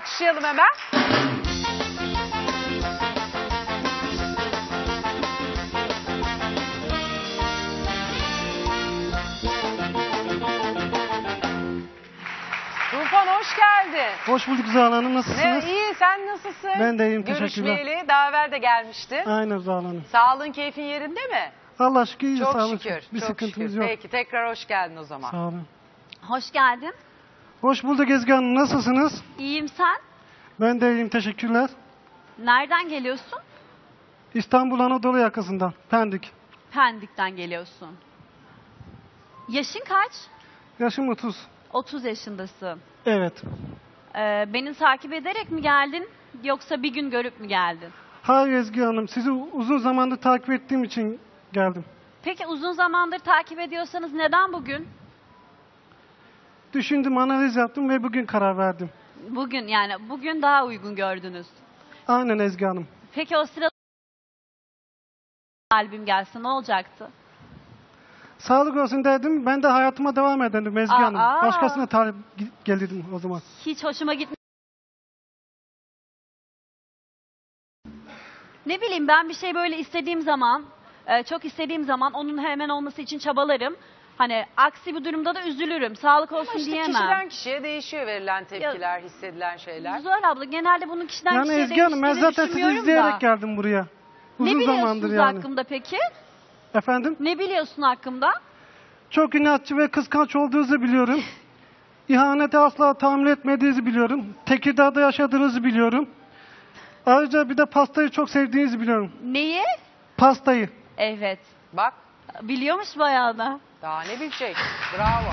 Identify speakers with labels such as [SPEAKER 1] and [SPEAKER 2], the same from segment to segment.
[SPEAKER 1] alkışlayalım hemen. Tufan hoş geldin.
[SPEAKER 2] Hoş bulduk Zuhal Hanım, nasılsınız?
[SPEAKER 1] İyi, sen nasılsın?
[SPEAKER 2] Ben de iyiyim, teşekkürler.
[SPEAKER 1] Görüşmeyeli daha evvel de gelmişti.
[SPEAKER 2] Aynen Zuhal Hanım.
[SPEAKER 1] Sağlığın, keyfin yerinde mi?
[SPEAKER 2] Allah şükür iyi,
[SPEAKER 1] Çok
[SPEAKER 2] sağ olun.
[SPEAKER 1] şükür.
[SPEAKER 2] Bir
[SPEAKER 1] çok
[SPEAKER 2] sıkıntımız
[SPEAKER 1] şükür.
[SPEAKER 2] yok.
[SPEAKER 1] Peki tekrar hoş geldin o zaman.
[SPEAKER 2] Sağ olun.
[SPEAKER 3] Hoş geldin.
[SPEAKER 2] Hoş bulduk Ezgi Hanım, nasılsınız?
[SPEAKER 3] İyiyim sen.
[SPEAKER 2] Ben de iyiyim, teşekkürler.
[SPEAKER 3] Nereden geliyorsun?
[SPEAKER 2] İstanbul Anadolu yakasından, Pendik.
[SPEAKER 3] Pendik'ten geliyorsun. Yaşın kaç?
[SPEAKER 2] Yaşım 30.
[SPEAKER 3] 30 yaşındasın.
[SPEAKER 2] Evet.
[SPEAKER 3] Beni takip ederek mi geldin yoksa bir gün görüp mü geldin?
[SPEAKER 2] Hayır Ezgi Hanım, sizi uzun zamandır takip ettiğim için geldim.
[SPEAKER 3] Peki uzun zamandır takip ediyorsanız neden bugün?
[SPEAKER 2] Düşündüm, analiz yaptım ve bugün karar verdim.
[SPEAKER 3] Bugün daha uygun gördünüz.
[SPEAKER 2] Aynen Ezgi Hanım.
[SPEAKER 3] Peki o sırada albüm gelse ne olacaktı?
[SPEAKER 2] Sağlık olsun dedim, ben de hayatıma devam ederdim Ezgi Hanım. Başkasına talip gelirdim o zaman.
[SPEAKER 3] Hiç hoşuma gitmedi. Ne bileyim ben bir şey böyle istediğim zaman, çok istediğim zaman onun hemen olması için çabalarım. Hani aksi bir durumda da üzülürüm. Sağlık olsun
[SPEAKER 1] Ama işte
[SPEAKER 3] diyemem.
[SPEAKER 1] kişiden kişiye değişiyor verilen tepkiler, hissedilen şeyler.
[SPEAKER 3] Zuhal abla genelde bunun kişiden
[SPEAKER 2] Yani
[SPEAKER 3] kişiye
[SPEAKER 2] Ezgi Hanım, ben
[SPEAKER 3] değiştiğini
[SPEAKER 2] zaten sizi
[SPEAKER 3] düşünmüyorum
[SPEAKER 2] izleyerek
[SPEAKER 3] da.
[SPEAKER 2] geldim buraya.
[SPEAKER 3] Ne
[SPEAKER 2] Uzun zamandır
[SPEAKER 3] biliyorsunuz
[SPEAKER 2] yani.
[SPEAKER 3] hakkımda peki?
[SPEAKER 2] Efendim?
[SPEAKER 3] Ne biliyorsun hakkımda?
[SPEAKER 2] Çok inatçı ve kıskanç olduğunuzu biliyorum. İhanete asla tahammül etmediğinizi biliyorum. Tekirdağ'da yaşadığınızı biliyorum. Ayrıca bir de pastayı çok sevdiğinizi biliyorum.
[SPEAKER 3] Neyi?
[SPEAKER 2] Pastayı.
[SPEAKER 3] Evet.
[SPEAKER 1] Bak,
[SPEAKER 3] Biliyormuş bayağı da.
[SPEAKER 1] daha ne bilecek? Bravo.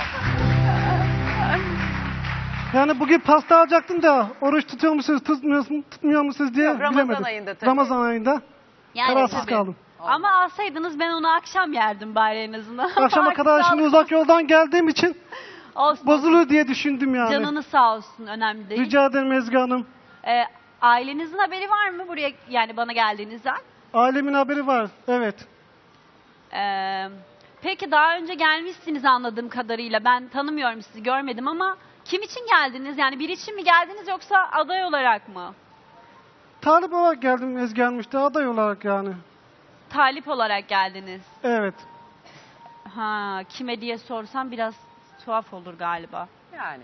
[SPEAKER 2] Yani bugün pasta alacaktım da oruç tutuyor musunuz, tutmuyor musunuz diye
[SPEAKER 1] Yok, Ramazan
[SPEAKER 2] bilemedim.
[SPEAKER 1] ayında tabii.
[SPEAKER 2] Ramazan ayında kararsız
[SPEAKER 3] tabii.
[SPEAKER 2] kaldım.
[SPEAKER 3] Ama alsaydınız ben onu akşam yerdim bari en azından.
[SPEAKER 2] Akşama
[SPEAKER 3] Artık
[SPEAKER 2] kadar şimdi
[SPEAKER 3] sağlık
[SPEAKER 2] uzak yoldan geldiğim için
[SPEAKER 3] olsun.
[SPEAKER 2] bozulur diye düşündüm yani.
[SPEAKER 3] Canınız sağ olsun, önemli değil.
[SPEAKER 2] Rica ederim Ezgi Hanım.
[SPEAKER 3] Ailenizin haberi var mı buraya, yani bana geldiğinizden?
[SPEAKER 2] Ailemin haberi var, evet.
[SPEAKER 3] Peki daha önce gelmişsiniz anladığım kadarıyla. Ben tanımıyorum sizi, görmedim ama kim için geldiniz? Yani bir için mi geldiniz yoksa aday olarak mı?
[SPEAKER 2] Talip olarak geldim Ezgi Hanım, işte aday olarak yani.
[SPEAKER 3] Talip olarak geldiniz.
[SPEAKER 2] Evet.
[SPEAKER 3] Ha, kime diye sorsam biraz tuhaf olur galiba.
[SPEAKER 1] Yani.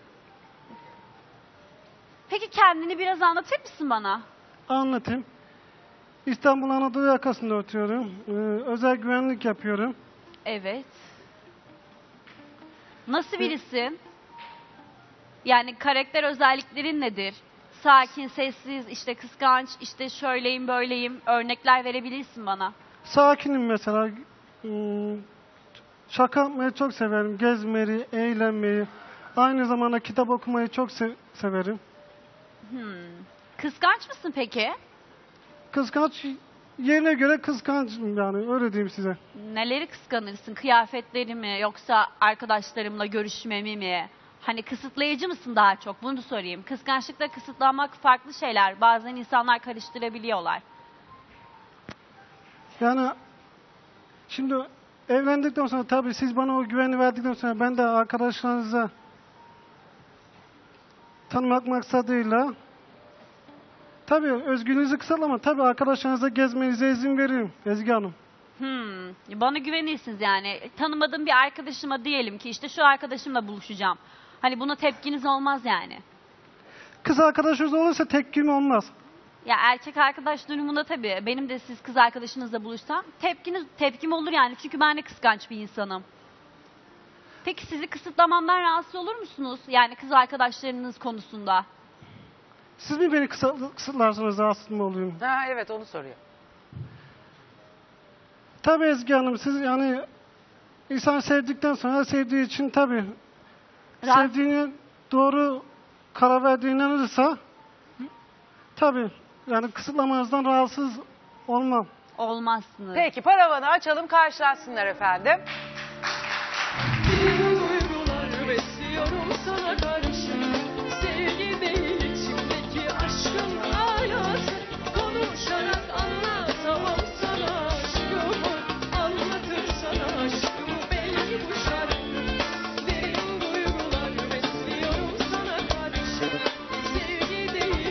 [SPEAKER 3] Peki kendini biraz anlatır mısın bana?
[SPEAKER 2] Anlatayım. İstanbul Anadolu yakasında oturuyorum. Özel güvenlik yapıyorum.
[SPEAKER 3] Evet. Nasıl birisin? Yani karakter özelliklerin nedir? Sakin, sessiz, işte kıskanç, işte şöyleyim, böyleyim. Örnekler verebilirsin bana.
[SPEAKER 2] Sakinim mesela. Şaka yapmayı çok severim. Gezmeyi, eğlenmeyi. Aynı zamanda kitap okumayı çok severim.
[SPEAKER 3] Kıskanç mısın peki?
[SPEAKER 2] Kıskanç, yerine göre kıskançım yani, öyle diyeyim size.
[SPEAKER 3] Neleri kıskanırsın? Kıyafetleri mi yoksa arkadaşlarımla görüşmemi mi? Hani kısıtlayıcı mısın daha çok? Bunu da sorayım. Kıskançlıkla kısıtlanmak farklı şeyler. Bazen insanlar karıştırabiliyorlar.
[SPEAKER 2] Yani şimdi evlendikten sonra tabii siz bana o güveni verdikten sonra ben de arkadaşlarınıza tanımak maksadıyla tabii özgürlüğünüzü kısıtlama, tabii arkadaşlarınıza gezmenize izin veririm Ezgi Hanım.
[SPEAKER 3] Bana güvenirsiniz yani. Tanımadığım bir arkadaşıma diyelim ki işte şu arkadaşımla buluşacağım. Hani buna tepkiniz olmaz yani.
[SPEAKER 2] Kız arkadaşınız olursa tepkim olmaz.
[SPEAKER 3] Ya erkek arkadaş durumunda tabii benim de siz kız arkadaşınızla buluşsam tepkim olur yani. Çünkü ben de kıskanç bir insanım. Peki sizi kısıtlamamdan rahatsız olur musunuz? Yani kız arkadaşlarınız konusunda.
[SPEAKER 2] Siz mi beni kısıtlarsınız, rahatsız mı olayım?
[SPEAKER 1] Ha, evet, onu soruyor.
[SPEAKER 2] Tabii Ezgi Hanım, siz yani insan sevdikten sonra sevdiği için tabii sevdiğini doğru karar verdiğine inanırsa tabii yani kısıtlamanızdan rahatsız olmam.
[SPEAKER 3] Olmazsınız.
[SPEAKER 1] Peki, paravanı açalım, karşılaşsınlar efendim.
[SPEAKER 4] Duygular besliyorum sana karşı. Sevgi değil içimdeki aşkın alası. Konuşarak anlatamam sana aşkımı. Anlatır sana aşkımı belki bu şarkı. Derin duygular besliyorum sana karşı. Sevgi değil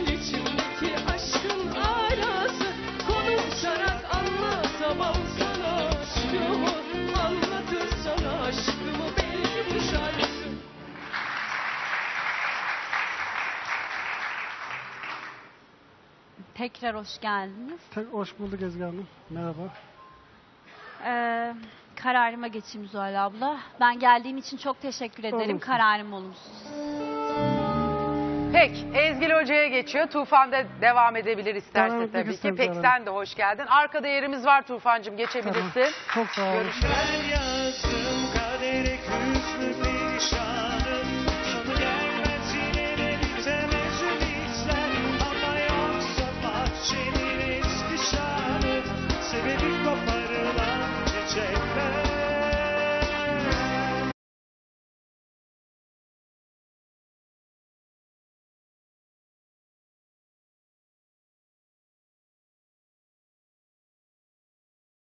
[SPEAKER 4] anlatamam sana aşkımı. Anlatır sana aşkımı belki bu şarkı.
[SPEAKER 3] Tekrar hoş geldiniz.
[SPEAKER 2] Hoş bulduk Ezgi Hanım. Merhaba.
[SPEAKER 3] Kararıma geçeyim Zuhal abla. Ben geldiğim için çok teşekkür ederim.
[SPEAKER 2] Olumsuz.
[SPEAKER 3] Kararım olumsuz.
[SPEAKER 1] Peki Ezgi Hoca'ya geçiyor. Tufan'da devam edebilir isterse
[SPEAKER 2] Devam etmek
[SPEAKER 1] tabii ki.
[SPEAKER 2] isterim
[SPEAKER 1] Peki
[SPEAKER 2] canım.
[SPEAKER 1] sen de hoş geldin. Arkada yerimiz var Tufan'cığım, geçebilirsin.
[SPEAKER 2] Çok sağ olun.
[SPEAKER 1] Görüşürüz.
[SPEAKER 5] Ben yazdım kadere küsmüş